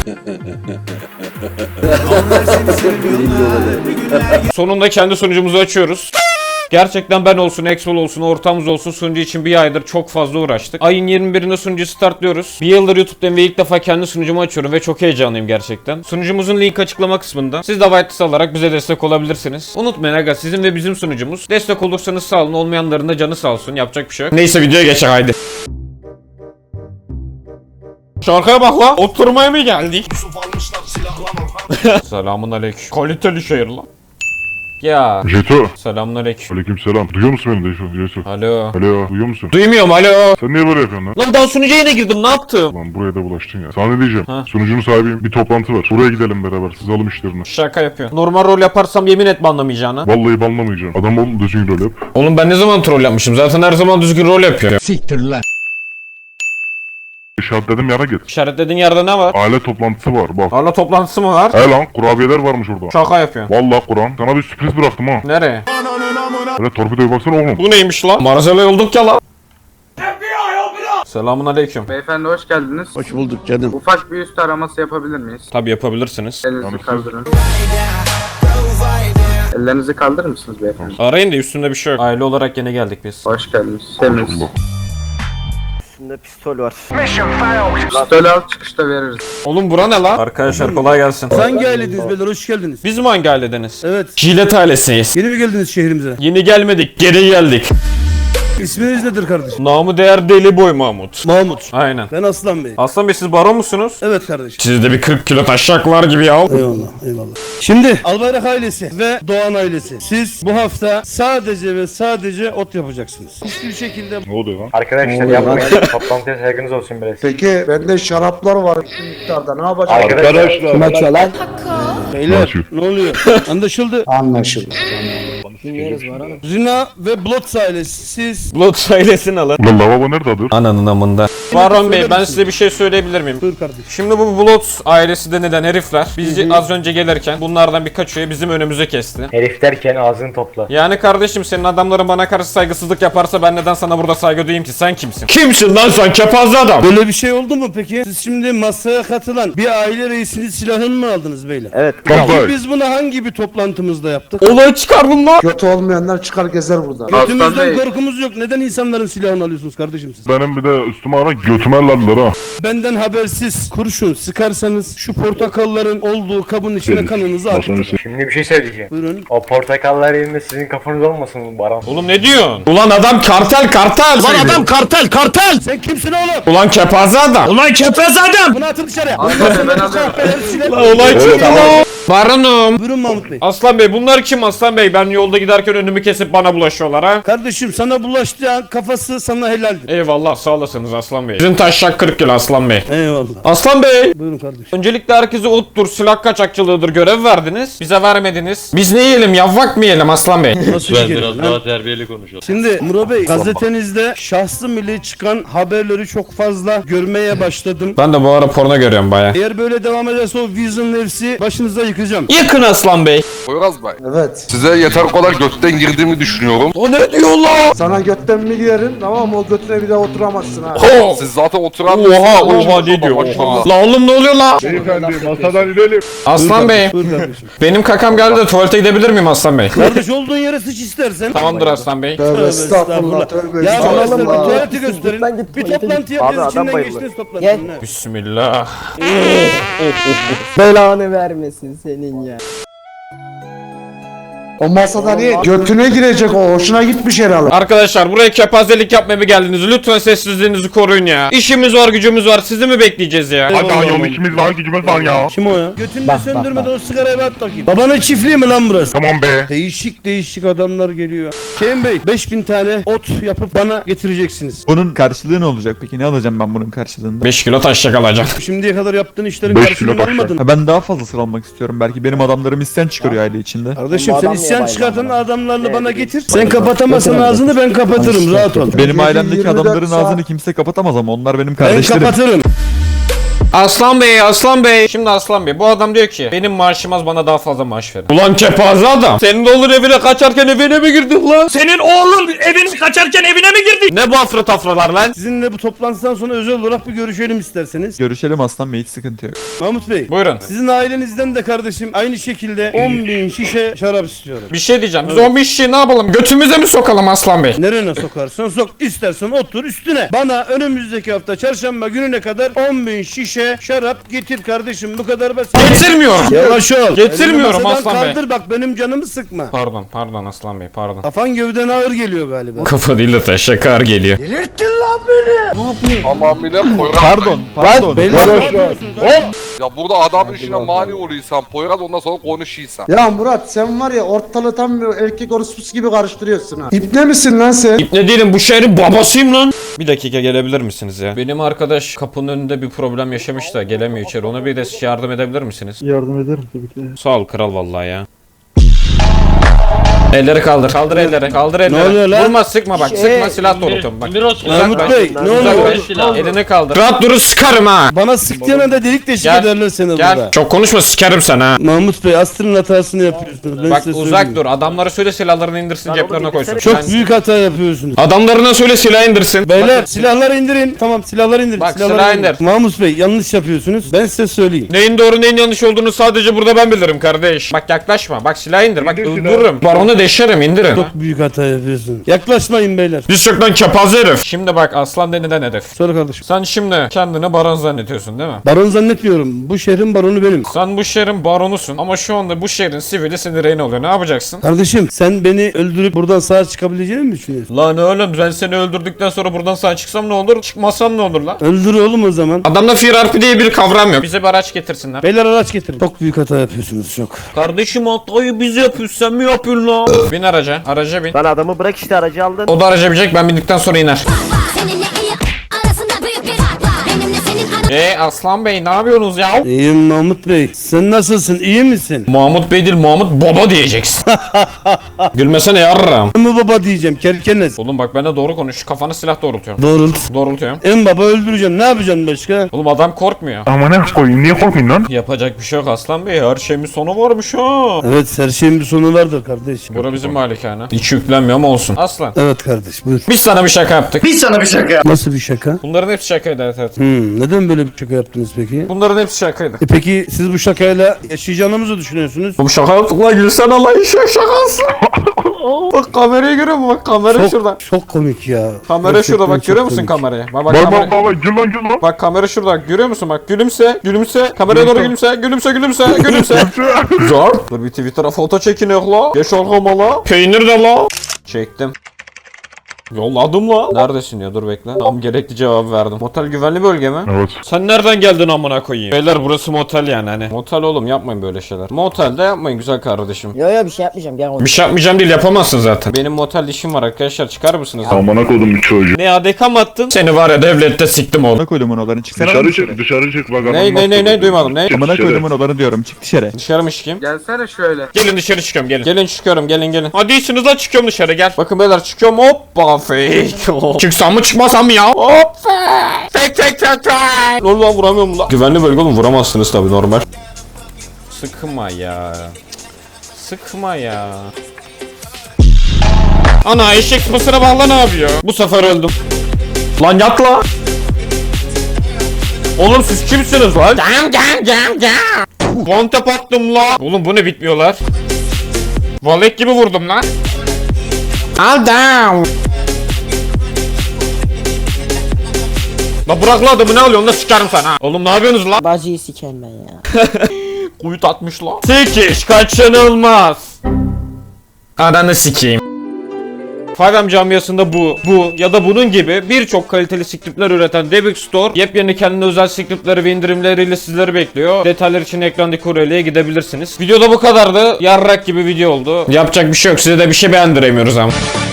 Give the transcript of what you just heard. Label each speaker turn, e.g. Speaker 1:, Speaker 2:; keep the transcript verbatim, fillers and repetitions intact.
Speaker 1: Sonunda kendi sunucumuzu açıyoruz. Gerçekten ben olsun, Exol olsun, ortamımız olsun sunucu için bir aydır çok fazla uğraştık. Ayın yirmi birinde sunucu startlıyoruz. Bir yıldır YouTube'dan ve ilk defa kendi sunucumu açıyorum ve çok heyecanlıyım gerçekten. Sunucumuzun link açıklama kısmında. Siz de whitelist alarak bize destek olabilirsiniz. Unutmayın aga, sizin ve bizim sunucumuz. Destek olursanız sağ olun, olmayanların da canı sağ olsun. Yapacak bir şey yok. Neyse videoya geçelim haydi. Şarkıya bak la. Oturmaya mı geldik? Selamun aleyküm. Kaliteli şehir lan. Ya.
Speaker 2: Jeto.
Speaker 1: Selamünaleyküm.
Speaker 2: Aleykümselam. Duyuyor musun beni de Jeto?
Speaker 1: Alo.
Speaker 2: Alo. Duyuyor musun?
Speaker 1: Duymuyorum alo.
Speaker 2: Sen niye böyle yapıyorsun lan?
Speaker 1: Lan daha sunucuya yine girdim, ne yaptım?
Speaker 2: Lan buraya da bulaştın ya. Sana ne diyeceğim?
Speaker 1: Ha.
Speaker 2: Sunucunun sahibiyim. Bir toplantı var. Buraya gidelim beraber. Siz alın işlerini.
Speaker 1: Şaka yapıyor. Normal rol yaparsam yemin et banlamayacağına.
Speaker 2: Vallahi banlamayacağım. Adam ol düzgün rol yap.
Speaker 1: Oğlum ben ne zaman troll yapmışım? Zaten her zaman düzgün rol yapıyorum.
Speaker 3: Siktir lan.
Speaker 2: İşaretledim yere git.
Speaker 1: İşaretlediğin yerde ne var?
Speaker 2: Aile toplantısı var bak.
Speaker 1: Hala toplantısı mı var?
Speaker 2: He lan kurabiyeler varmış orada.
Speaker 1: Şaka yapıyorsun.
Speaker 2: Vallahi Kur'an. Sana bir sürpriz bıraktım ha.
Speaker 1: Nereye?
Speaker 2: Hele torpidoya baksana oğlum.
Speaker 1: Bu neymiş lan? Marazele olduk ya lan. Selamun aleyküm.
Speaker 4: Beyefendi hoş geldiniz.
Speaker 3: Hoş bulduk canım.
Speaker 4: Ufak bir üst araması yapabilir miyiz?
Speaker 1: Tabi yapabilirsiniz.
Speaker 4: Elinizi
Speaker 2: Yani siz-
Speaker 4: kaldırın. Ellerinizi kaldırır mısınız beyefendi?
Speaker 1: Arayın da üstünde bir şey yok. Aile olarak yeni geldik biz.
Speaker 4: Hoş geldiniz. Temiz.
Speaker 3: Üstünde pistol var.
Speaker 4: Pistolü al çıkışta veririz.
Speaker 1: Oğlum bura ne lan? Arkadaşlar kolay gelsin.
Speaker 5: Hangi ailediniz beyler, hoş geldiniz.
Speaker 1: Biz mi hangi ailedeniz?
Speaker 5: Evet.
Speaker 1: Jilet ailesiyiz.
Speaker 5: Yeni mi geldiniz şehrimize?
Speaker 1: Yeni gelmedik, geri geldik.
Speaker 5: İsminiz nedir kardeşim?
Speaker 1: Namı değer Deli Boy Mahmut.
Speaker 5: Mahmut.
Speaker 1: Aynen.
Speaker 5: Ben Aslan Bey.
Speaker 1: Aslan Bey siz baron musunuz?
Speaker 5: Evet kardeşim.
Speaker 1: Siz de bir kırk kilo taşaklar gibi ya.
Speaker 5: Eyvallah, eyvallah. Şimdi Albayrak ailesi ve Doğan ailesi. Siz bu hafta sadece ve sadece ot yapacaksınız. Hiçbir şekilde
Speaker 2: Ne oluyor lan?
Speaker 6: Arkadaşlar yapmayın. Toplantıya saygınız olsun biraz.
Speaker 7: Peki bende şaraplar var şu miktarda ne yapacağım?
Speaker 6: Arkadaşlar.
Speaker 3: Kim açıyor lan?
Speaker 5: beyler
Speaker 2: Açıyor.
Speaker 5: ne oluyor? Anlaşıldı.
Speaker 7: Anlaşıldı.
Speaker 5: Zina ve Blots ailesi. Siz
Speaker 1: Blood ailesini alın.
Speaker 2: Ulan lavabo nerede adı?
Speaker 1: Ananın amında. Baron Bey ben
Speaker 5: misin?
Speaker 1: size bir şey söyleyebilir miyim?
Speaker 5: buyur kardeşim.
Speaker 1: Şimdi bu Blood ailesi denilen herifler bizi az önce gelirken bunlardan birkaç üye bizim önümüze kesti.
Speaker 6: Herif derken ağzını topla.
Speaker 1: Yani kardeşim senin adamların bana karşı saygısızlık yaparsa ben neden sana burada saygı duyayım ki? Sen kimsin? Kimsin lan sen kepaze adam?
Speaker 5: Böyle bir şey oldu mu peki? Siz şimdi masaya katılan bir aile reisinin silahını mı aldınız beyler?
Speaker 3: Evet.
Speaker 2: Kampay.
Speaker 5: Biz bunu hangi bir toplantımızda yaptık?
Speaker 1: Olay çıkardım lan.
Speaker 7: Kötü olmayanlar çıkar gezer burada.
Speaker 4: Aslan
Speaker 5: Götümüzden
Speaker 4: Bey.
Speaker 5: korkumuz yok. Neden insanların silahını alıyorsunuz kardeşim siz?
Speaker 2: Benim bir de üstüme ara götüme lallar ha.
Speaker 5: Benden habersiz kurşun sıkarsanız şu portakalların olduğu kabın içine kanınızı atın.
Speaker 6: Şimdi bir şey söyleyeceğim.
Speaker 5: Buyurun.
Speaker 6: O portakallar yerinde sizin kafanız olmasın bu Baran.
Speaker 1: Oğlum ne diyorsun? Ulan adam kartel kartel. Ulan adam
Speaker 5: kartel kartel! Sen kimsin oğlum?
Speaker 1: Ulan kepaze adam. Ulan kepaze adam.
Speaker 5: Bunu atın dışarıya.
Speaker 4: Aslan Bey, ben alıyorum.
Speaker 1: Olay çıktı lan. Baronum.
Speaker 5: Buyurun Mahmut Bey.
Speaker 1: Aslan Bey bunlar kim Aslan Bey? Ben yolda giderken önümü kesip bana bulaşıyorlar ha.
Speaker 5: Kardeşim sana bulaştığı an kafası sana helaldir.
Speaker 1: Eyvallah sağ olasınız Aslan Bey. Sizin taşak kırk kilo Aslan Bey.
Speaker 5: Eyvallah.
Speaker 1: Aslan Bey.
Speaker 5: Buyurun kardeşim.
Speaker 1: Öncelikle herkese ottur, silah kaçakçılığıdır görev verdiniz. Bize vermediniz. Biz ne yiyelim yavvak mı yiyelim Aslan Bey?
Speaker 5: Nasıl ben biraz daha terbiyeli konuşalım. Şimdi Murat Bey gazetenizde şahsı milli çıkan haberleri çok fazla görmeye başladım.
Speaker 1: Ben de bu ara porno görüyorum baya.
Speaker 5: Eğer böyle devam ederse o Vision nefsi başınıza yıkacağım.
Speaker 1: Yakın Aslan Bey.
Speaker 8: Poyraz Bey,
Speaker 7: Evet.
Speaker 8: size yeter kadar götten girdiğimi düşünüyorum.
Speaker 1: O ne diyor lan?
Speaker 7: Sana götten mi girerim tamam mı? O götüne bir daha oturamazsın ha.
Speaker 8: Siz zaten oturan
Speaker 1: Oha oha ne diyor oha. La oğlum ne oluyor la?
Speaker 2: Beyefendi masadan inelim.
Speaker 1: Aslan Bey.
Speaker 5: Buyur kardeşim.
Speaker 1: Benim kakam geldi de tuvalete gidebilir miyim Aslan Bey?
Speaker 5: Kardeş olduğun yere sıç istersen.
Speaker 1: Tamamdır Aslan Bey.
Speaker 7: Tövbe estağfurullah tövbe
Speaker 5: Ya
Speaker 7: estağfurullah.
Speaker 5: gösterin,
Speaker 7: Allah.
Speaker 5: tuvaleti gösterin. Bir toplantı yapacağız, içinden geçtiniz toplantının. ha.
Speaker 1: Bismillah.
Speaker 3: Belanı vermesin senin ya.
Speaker 7: O masada niye? Götüne girecek o. Hoşuna gitmiş herhalde.
Speaker 1: Arkadaşlar buraya kepazelik yapmaya mı geldiniz? Lütfen sessizliğinizi koruyun ya. İşimiz var gücümüz var sizi mi bekleyeceğiz ya?
Speaker 2: Hadi daha yol işimiz var gücümüz var ya.
Speaker 5: Kim o ya? Götünde söndürmeden o sigarayı bir at bakayım. Babanın çiftliği mi lan burası?
Speaker 2: Tamam be.
Speaker 5: Değişik değişik adamlar geliyor. Kerim Bey beş bin tane ot yapıp bana getireceksiniz.
Speaker 9: Bunun karşılığı ne olacak peki? Ne alacağım ben bunun karşılığında?
Speaker 1: beş kilo taşacak alacağım.
Speaker 5: Şimdiye kadar yaptığın işlerin
Speaker 2: Beş
Speaker 5: karşılığını
Speaker 2: kilo taş.
Speaker 5: almadın.
Speaker 9: Ha, ben daha fazlasını almak istiyorum. Belki benim adamlarım isyan çıkarıyor aile içinde.
Speaker 5: Kardeşim
Speaker 3: Bu
Speaker 5: sen
Speaker 3: adam
Speaker 5: isyan
Speaker 3: niye
Speaker 5: çıkartan
Speaker 3: bayram
Speaker 5: adamlarla bana getir. Sen kapatamazsan ağzını ben kapatırım rahat ol.
Speaker 9: Benim ailemdeki
Speaker 7: yirmi dört
Speaker 9: adamların
Speaker 7: saat-
Speaker 9: ağzını kimse kapatamaz ama onlar benim
Speaker 5: Ben
Speaker 9: kardeşlerim.
Speaker 5: kapatırım.
Speaker 1: Aslan Bey, Aslan Bey. Şimdi Aslan Bey, bu adam diyor ki benim maaşım az, bana daha fazla maaş verin. Ulan kepaze adam. Senin oğlun evine kaçarken evine mi girdin lan? Senin oğlun evin kaçarken evine mi girdin? Ne bu afra tafralar lan?
Speaker 5: Sizinle bu toplantıdan sonra özel olarak bir görüşelim isterseniz.
Speaker 9: Görüşelim Aslan Bey, hiç sıkıntı yok.
Speaker 5: Mahmut Bey.
Speaker 1: Buyurun.
Speaker 5: Sizin ailenizden de kardeşim aynı şekilde on bin şişe şarap istiyorum.
Speaker 1: Bir şey diyeceğim. Biz on beş şişeyi ne yapalım? Götümüze mi sokalım Aslan Bey?
Speaker 5: Nerene sokarsan sok, istersen otur üstüne. Bana önümüzdeki hafta çarşamba gününe kadar on bin şişe şarap getir kardeşim, bu kadar basit.
Speaker 1: Getirmiyorum.
Speaker 5: Yavaş ol.
Speaker 1: Getirmiyorum
Speaker 5: Elini masadan
Speaker 1: Aslan Bey.
Speaker 5: kaldır bak, benim canımı sıkma.
Speaker 1: Pardon, pardon Aslan Bey, pardon.
Speaker 5: Kafan gövden ağır geliyor galiba.
Speaker 1: Kafa değil de teşekkür geliyor.
Speaker 8: Tamamıyla Poyraz.
Speaker 9: Pardon, pardon.
Speaker 5: Beyler
Speaker 8: Ya burada adamın işine mani oluyorsan Poyraz, ondan sonra konuşuyorsan.
Speaker 7: Ya Murat sen var ya ortalığı tam bir erkek orospusu gibi karıştırıyorsun ha. İpne misin lan sen?
Speaker 1: İpne değilim, bu şehrin babasıyım lan. Bir dakika gelebilir misiniz ya? Benim arkadaş kapının önünde bir problem yaşamış da gelemiyor içeri. Ona bir de yardım edebilir misiniz?
Speaker 2: Yardım ederim tabii ki.
Speaker 1: Sağ ol kral vallahi ya. Elleri kaldır. Kaldır elleri. Kaldır elleri.
Speaker 5: oluyor lan?
Speaker 1: Vurma, sıkma bak. Sıkma, silah doğrultum bak.
Speaker 5: Mahmut
Speaker 1: Uzaklaş.
Speaker 5: Bey ne oluyor?
Speaker 1: Uzaklaş. Elini kaldır. Rahat durun, sıkarım ha.
Speaker 5: Bana sıktığına da delik deşik
Speaker 1: Gel.
Speaker 5: ederler seni
Speaker 1: Gel.
Speaker 5: burada.
Speaker 1: Çok konuşma, sikerim sen ha.
Speaker 5: Mahmut Bey Aslı'nın hatasını yapıyorsunuz. Ben
Speaker 1: Bak
Speaker 5: size
Speaker 1: uzak
Speaker 5: söyleyeyim.
Speaker 1: dur. Adamlara söyle silahlarını indirsin, ceplerine koysun.
Speaker 5: Çok
Speaker 1: Ben-
Speaker 5: büyük hata yapıyorsunuz.
Speaker 1: Adamlarına söyle silah indirsin.
Speaker 5: Beyler silahları indirin. Tamam silahları indirin.
Speaker 1: Bak,
Speaker 5: silahları
Speaker 1: silah
Speaker 5: indirin.
Speaker 1: indir.
Speaker 5: Mahmut Bey yanlış yapıyorsunuz. Ben size söyleyeyim.
Speaker 1: Neyin doğru neyin yanlış olduğunu sadece burada ben bilirim kardeş. Bak yaklaşma. Bak silah indir. Bak öldürürüm. Baronu deşerim, indirin.
Speaker 5: Çok büyük hata yapıyorsun. Yaklaşmayın beyler.
Speaker 1: Biz çoktan kepaze herif. Şimdi bak aslan denilen herif.
Speaker 5: Söyle kardeşim.
Speaker 1: Sen şimdi kendini baron zannediyorsun değil mi?
Speaker 5: Baron zannetmiyorum. Bu şehrin baronu benim.
Speaker 1: Sen bu şehrin baronusun ama şu anda bu şehrin sivili senin rehin oluyor. Ne yapacaksın?
Speaker 5: Kardeşim sen beni öldürüp buradan sağ çıkabileceğini mi düşünüyorsun?
Speaker 1: Lan oğlum, ben seni öldürdükten sonra buradan sağ çıksam ne olur? Çıkmasam ne olur lan?
Speaker 5: Öldür oğlum o zaman.
Speaker 1: Adamda firarpi diye bir kavram yok. Bize bir araç getirsinler.
Speaker 5: Beyler araç getirin. Çok büyük hata yapıyorsunuz çok.
Speaker 1: Kardeşim hatayı biz yapıyoruz, sen mi yapıyorsun lan? Bin araca. Araca bin.
Speaker 3: Lan adamı bırak işte, aracı aldın.
Speaker 1: O da araca binecek, ben bindikten sonra iner.
Speaker 10: Seninle iyi arasında büyük bir fark var. Benimle senin arasında
Speaker 1: Eee Aslan Bey ne yapıyorsunuz ya?
Speaker 5: İyiyim Mahmut Bey. Sen nasılsın? İyi misin?
Speaker 1: Mahmut Bey değil, Mahmut Baba diyeceksin. Gülmesene yarram.
Speaker 5: Ben mi baba diyeceğim kerkenes.
Speaker 1: Oğlum bak, ben de doğru konuş. Kafana silah doğrultuyorum.
Speaker 5: Doğrult.
Speaker 1: Doğrultuyorum.
Speaker 5: En baba öldüreceğim. Ne yapacaksın başka?
Speaker 1: Oğlum adam korkmuyor.
Speaker 2: Ama ne koyayım, niye korkmayın lan?
Speaker 1: Yapacak bir şey yok Aslan Bey. Her şeyin bir sonu varmış ha.
Speaker 5: Evet her şeyin bir sonu vardır kardeş.
Speaker 1: Bura bizim malikane. Hiç yüklenmiyor ama olsun. Aslan.
Speaker 5: Evet kardeş buyur.
Speaker 1: Biz sana bir şaka yaptık.
Speaker 5: Nasıl bir şaka?
Speaker 1: Bunların hepsi şakaydı, evet evet.
Speaker 5: Hmm, neden böyle bir şaka yaptınız peki?
Speaker 1: Bunların hepsi şakaydı.
Speaker 5: E peki siz bu şakayla yaşayacağınızı mı düşünüyorsunuz?
Speaker 1: Bu şaka yaptık lan, gülsene Allah, işe şakası. Bak kamerayı görüyor musun? Bak kamera
Speaker 5: Çok,
Speaker 1: şurada.
Speaker 5: çok komik ya.
Speaker 1: Kamera
Speaker 5: Gerçekten
Speaker 1: şurada, bak
Speaker 5: çok
Speaker 1: görüyor musun
Speaker 5: komik.
Speaker 1: kamerayı? Bak bak
Speaker 2: Bak bak
Speaker 1: kamera.
Speaker 2: bak bak, gül lan gül lan.
Speaker 1: Bak kamera şurada, görüyor musun? Bak gülümse, gülümse. Kameraya doğru gülümse, gülümse, gülümse, gülümse. Zor. Dur bir Twitter'a foto çekiniyor la. Geç arkama la. Peynir de la. Çektim. Yolladım la. Neredesin ya, dur bekle. Tam gerekli cevabı verdim. Motel güvenli bölge mi?
Speaker 2: Evet.
Speaker 1: Sen nereden geldin amına koyayım? Beyler burası motel yani hani. Motel oğlum, yapmayın böyle şeyler. Motelde yapmayın güzel kardeşim.
Speaker 3: Yo yo bir şey yapmayacağım, gel.
Speaker 1: Bir şey yapmayacağım değil, yapamazsın zaten. Benim motel işim var arkadaşlar, çıkar mısınız?
Speaker 2: Amına koydum bir çocuğu.
Speaker 1: Ne adeka mı attın? Seni var ya devlette siktim oğlum.
Speaker 9: Amına koydum odalarını, çıksana.
Speaker 2: Dışarı çık, dışarı çık bak.
Speaker 1: Ne ne ne ne duymadım ne?
Speaker 9: Amına koydum odalarını diyorum, çık dışarı.
Speaker 1: Dışarı mı çıkayım?
Speaker 4: Gelsene şöyle.
Speaker 1: Gelin dışarı çıkıyorum gelin. Gelin çıkıyorum gelin gelin. Hadi iyisiniz lan, çıkıyorum dışarı gel. Bakın beyler çıkıyorum, hoppa fake. Çıksam mı çıkmasam mı ya? Hoppa. Fake fake fake fake. Ne oldu lan, vuramıyorum lan. Güvenli bölge oğlum, vuramazsınız tabi normal. Sıkma ya. Sıkma ya. Ana eşek sıpasına bağla, ne yapıyor? Bu sefer öldüm. Lan yat la. Oğlum siz kimsiniz lan? Gam gam gam gam. One tap attım la. Oğlum bu ne, bitmiyorlar. Valet gibi vurdum lan. Al down. La bırak la adamı, ne alıyorsun la, sikerim sana. Oğlum ne yapıyorsunuz la?
Speaker 3: Bacıyı siken ben ya.
Speaker 1: Kuyut atmış la. Sikiş kaçınılmaz. Ananı sikeyim. five M camiasında bu, bu ya da bunun gibi birçok kaliteli scriptler üreten Debug Store yepyeni kendine özel scriptleri ve indirimleriyle sizleri bekliyor. Detaylar için ekrandaki url'ye gidebilirsiniz. Videoda bu kadardı. Yarrak gibi video oldu. Yapacak bir şey yok. Size de bir şey beğendiremiyoruz ama.